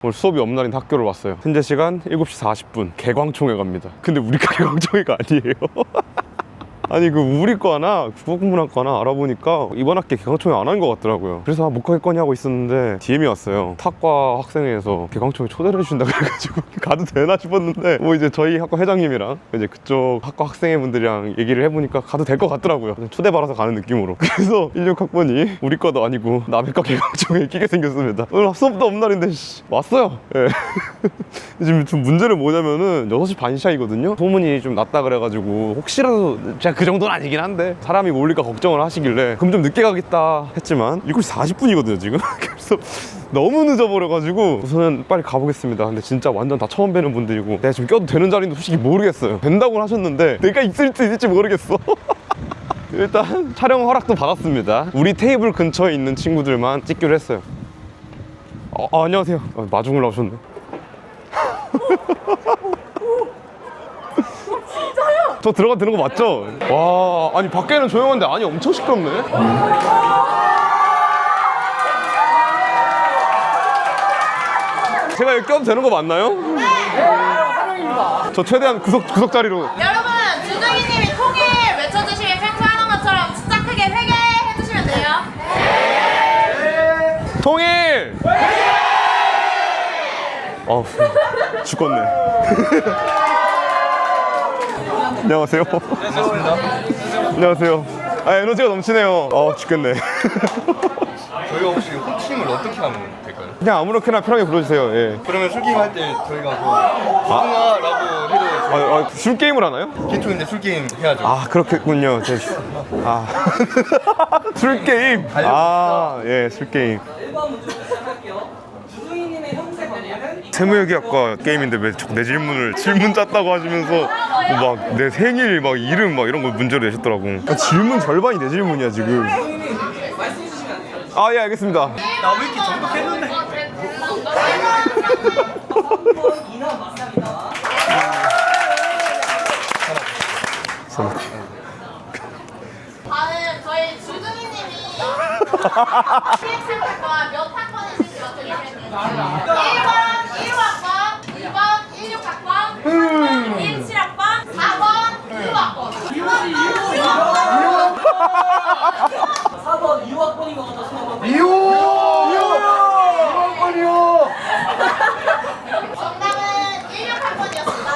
오늘 수업이 없는 날인 학교를 왔어요. 현재 시간 7시 40분. 개광총회 갑니다. 근데 우리가 개광총회가 아니에요. 아니 그 우리과나 국어국문학과나 알아보니까 이번 학기 개강총회 안 한 것 같더라고요. 그래서 못 가겠거니 하고 있었는데 DM이 왔어요. 탁과 학생회에서 개강총회 초대를 해준다 그래가지고 가도 되나 싶었는데 뭐 이제 저희 학과 회장님이랑 이제 그쪽 학과 학생회 분들이랑 얘기를 해보니까 가도 될 것 같더라고요. 초대받아서 가는 느낌으로. 그래서 16학번이 우리과도 아니고 남의과 개강총회에 끼게 생겼습니다. 오늘 수업도 없는 날인데 왔어요. 네. 지금 좀 문제는 뭐냐면은 6시 반 시작이거든요. 소문이 좀 났다 그래가지고 혹시라도 제가 그 정도는 아니긴 한데 사람이 몰릴까 걱정을 하시길래 그럼 좀 늦게 가겠다 했지만 7시 40분이거든요 지금. 그래서 너무 늦어버려가지고 우선은 빨리 가보겠습니다. 근데 진짜 완전 다 처음 뵈는 분들이고 내가 지금 껴도 되는 자리인지 솔직히 모르겠어요. 된다고는 하셨는데 내가 있을지 모르겠어. 일단 촬영 허락도 받았습니다. 우리 테이블 근처에 있는 친구들만 찍기로 했어요. 안녕하세요. 마중을 나오셨네. 저 들어가도 되는 거 맞죠? 와, 아니 밖에는 조용한데 안이 엄청 시끄럽네. 제가 여기 껴도 되는 거 맞나요? 네! 환영입니다. 저 최대한 구석 자리로. 여러분, 주둥이님이 통일 외쳐주시면 평소 하는 것처럼 진짜 크게 회개해주시면 돼요. 네! 통일! 죽겠네. 안녕하세요. 안녕하세요. 에너지가 넘치네요. 죽겠네. 저희가 혹시 호칭을 어떻게 하면 될까요? 그냥 아무렇게나 편하게 불러주세요. 예. 그러면 술게임 할 때 저희가 무궁화라고 해도 술 게임을 하나요? 기초인데 술게임 해야죠. 그렇겠군요. 술 게임. 예, 술 게임. 1번 문제 시작할게요. 주둥이님의 형제 관계는? 세무회계학과 게임인데 왜 자꾸 내 질문을 질문 짰다고 하시면서 막 내 생일 막 이름 막 이런 거 문제로 내셨더라고. 질문 절반이 내 질문이야 지금. 주둥이님 말씀해 주시면 안 돼요. 예, 알겠습니다. 나 왜 이렇게 정독했는데? 3번 이남 맞습니다. 다음 저희 주둥이님이 PX학과 몇 학번인지 맞춰주시면 돼요. 1번 1호학번, 2번 16학번, 3번 17학번, 4번 2호학번. 4번 2학번인 것 같아서 한번 정답은 16학번이었습니다.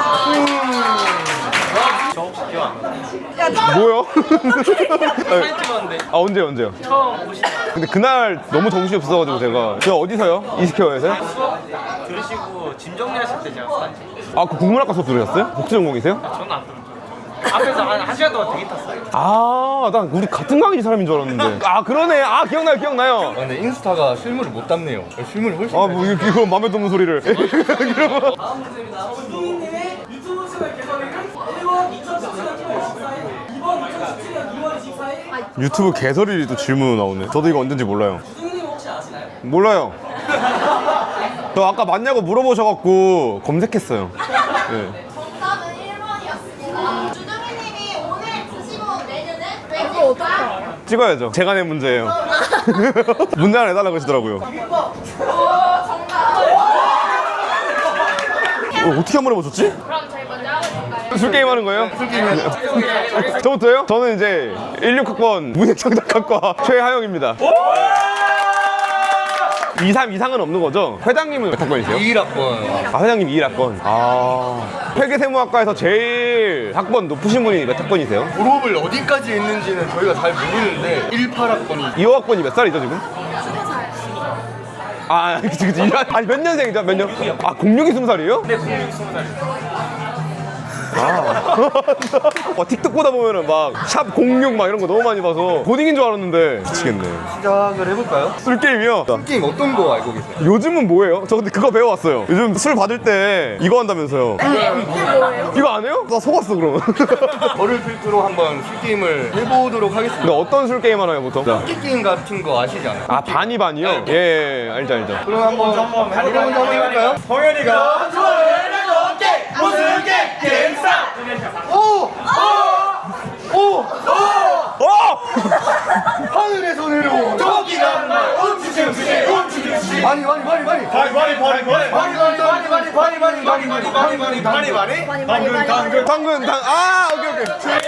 저 혹시 기억 안 나요? 뭐요? 사진 찍었는데 언제요? 처음 오신 근데 그날 너무 정신이 없어가지고 제가 어디서요? 이스케어에서요? 들으시고 짐 정리하실 때 제가 사진 찍었어요. 그 국문학과 수업 들으셨어요? 복수전공이세요? 저는 안 들었어요. 앞에서 한 시간 동안 되게 탔어요. 난 우리 같은 강의 사람인 줄 알았는데. 그러네. 기억나요. 근데 인스타가 실물을 못 담네요. 실물이 훨씬 뭐 이거 맘에 드는 소리를. 다음 문제입니다. 주둥이님의 유튜브 채널 개설일은 1번 2017년 1월 24일, 2번 2017년 2월 24일. 유튜브 개설일이 또 질문으로 나오네. 저도 이거 언젠지 몰라요. 주둥이님 혹시 아시나요? 몰라요. 저 아까 맞냐고 물어보셔갖고 검색했어요. 네. 정답은 1번이었습니다. 주둥이님이 오늘 드시고 온 메뉴는 왠지일까? 찍어야죠. 제가 낸 문제예요. 문제 하나 내달라고 하시더라고요. 정답. 어떻게 한 번에 맞췄지? 그럼 저희 먼저 하고 있을까요? 술 게임 하는 거예요? 술 게임. 저부터요? 저는 이제 16학번 문예창작학과 최하영입니다. 23 이상은 없는 거죠? 회장님은 몇 학번이세요? 21학번. 회장님 21학번. 회계세무학과에서 제일 학번 높으신 분이 몇 학번이세요? 졸업을 어디까지 했는지는 저희가 잘 모르는데 18학번이 2호학번이 몇 살이죠 지금? 20살. 그치. 아니 몇 년생이죠? 몇 년? 06이 20살이에요? 네, 20살. 틱톡 보다 보면은 막 샵 06 막 이런 거 너무 많이 봐서 고딩인 줄 알았는데 미치겠네. 시작을 해볼까요? 술 게임이요? 게임 어떤 거 알고 계세요? 요즘은 뭐예요? 저 근데 그거 배워왔어요. 요즘 술 받을 때 이거 한다면서요. 이거 안 해요? 나 속았어 그럼. 저를 필두로 한번 술게임을 해보도록 하겠습니다. 근데 어떤 술 게임 하나요 보통? 게임 같은 거 아시지 않아요? 반이요? 예, 알죠. 그럼 한번 해볼까요? 성현이가 하늘에서 내려온 토끼가 온주주시 많이 바리 당근 아 오케이 오케이.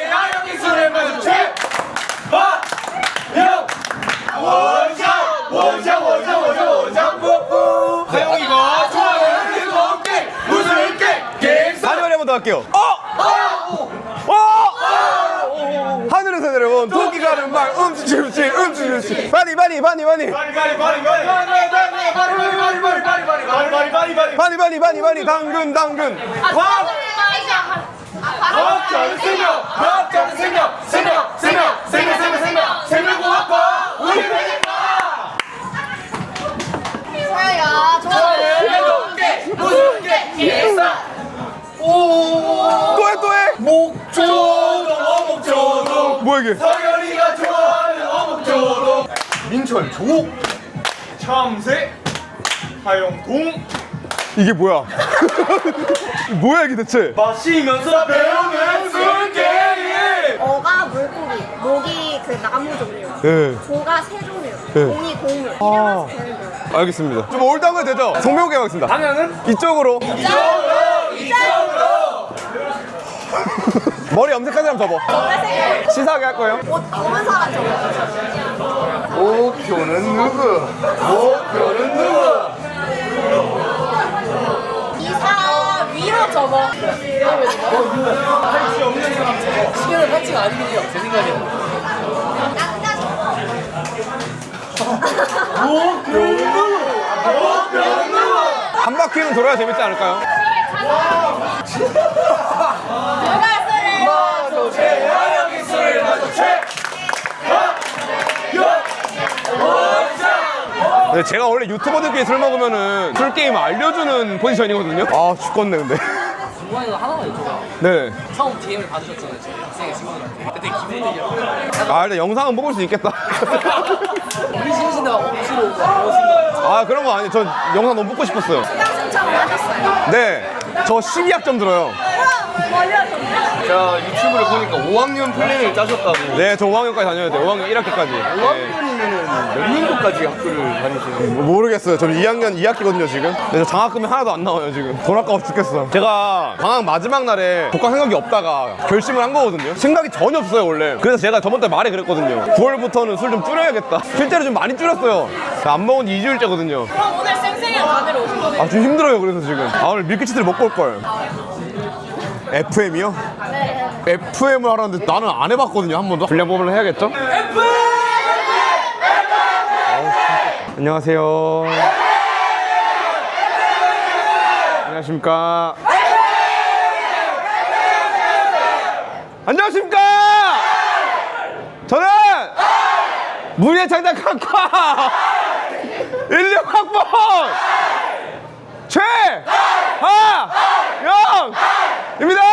하영이가 좋아하는 즐겁게 웃을게 하늘에 한번 더 할게요. 하늘에서 내려온 토끼가 하는 말 음치 바니 당근 생명공학과 소야야 즐겁게 웃을게 일상 또해 목조동 뭐야 이게? 서열이가 좋아하는 어묵조동 민철 조 참새 하영동 이게 뭐야? 뭐야 이게 대체? 마시면서 배우는 술게임 어가 물고기, 목이 그 나무 종류, 네. 조가 새 종류, 네. 공이 곡물. 이래서 되는 거예요. 알겠습니다. 좀 올드한 거 되죠? 성명하게 하겠습니다. 방향은 이쪽으로. 이쪽으로 머리 염색한 사람 접어. 시사하게 할 거예요. 옷 검은 사람 저거. 목표는 누구? 이 사람 위로 접어. 시계는 파츠가 아니군요. 제 생각에는. 남자 저거. 한 바퀴는 돌아야 재밌지 않을까요? 누가 술을 하영이 술을 마주쳐 네, 제가 원래 유튜버들끼리 술 먹으면은 술 게임 알려주는 포지션이거든요. 아 죽겠네 근데. 중간에 하나만 여쭤봐요. 네. 처음 DM을 받으셨잖아요. 저희 학생의 친구들한테. 그때 기분이 아 일단 영상은 먹을 수 있겠다. 우리 신신다가 억지로 오신 거. 아 그런 거 아니에요. 전 영상 너무 먹고 싶었어요. 신청을 하셨어요. 네. 저 12학점 들어요. 자 유튜브를 보니까 5학년 플랜을 짜셨다고 네, 저 5학년까지 다녀야 돼요. 5학년 1학기까지. 5학년이면은 몇 년도까지 학교를 다니시는 모르겠어요. 저는 2학년 2학기거든요 지금. 근데 저 장학금이 하나도 안 나와요 지금. 돈 아까워 죽겠어. 제가 방학 마지막 날에 독학 생각이 없다가 결심을 한 거거든요. 생각이 전혀 없어요 원래. 그래서 제가 저번 달 말에 그랬거든요. 9월부터는 술 좀 줄여야겠다. 실제로 좀 많이 줄였어요. 안 먹은 지 2주일째거든요. 그럼 오늘 쌩쌩이랑 다들 오신 거네요. 아 좀 힘들어요 그래서 지금. 아 오늘 밀키트를 먹고 올걸. FM이요? 네. FM을 하라는데 나는 안 해봤거든요 한 번도. 분량 뽑으려 해야겠죠? 안녕하세요. 안녕하십니까. 안녕하십니까. 저는 문예 창작학과 16학번 최하영입니다.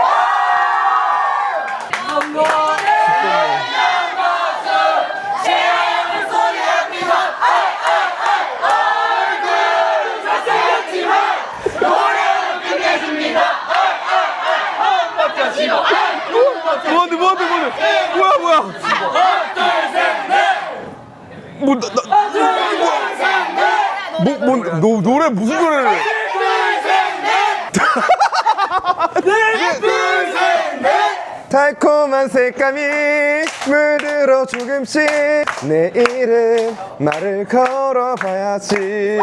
뭐야 노래 무슨 노래를 해? 달콤한 색감이 물들어 조금씩 내 이름 말을 걸어봐야지.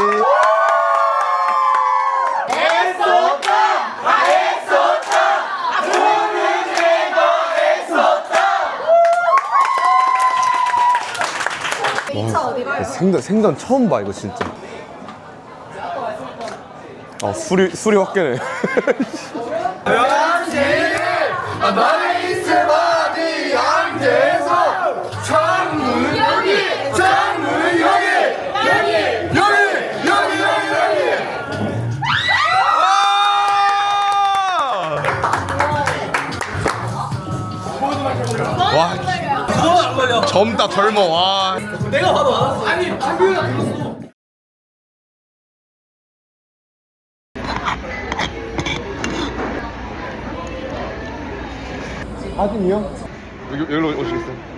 생전 처음 봐 이거 진짜. 아 술이 확 깨네. 나이스바디 안돼서 창문 여기 창문 여기 와 젊다 젊어 와. 내가 봐도 알았어. 아니, 한비가 불렀어. 사진이요? 여기로 오시겠어요?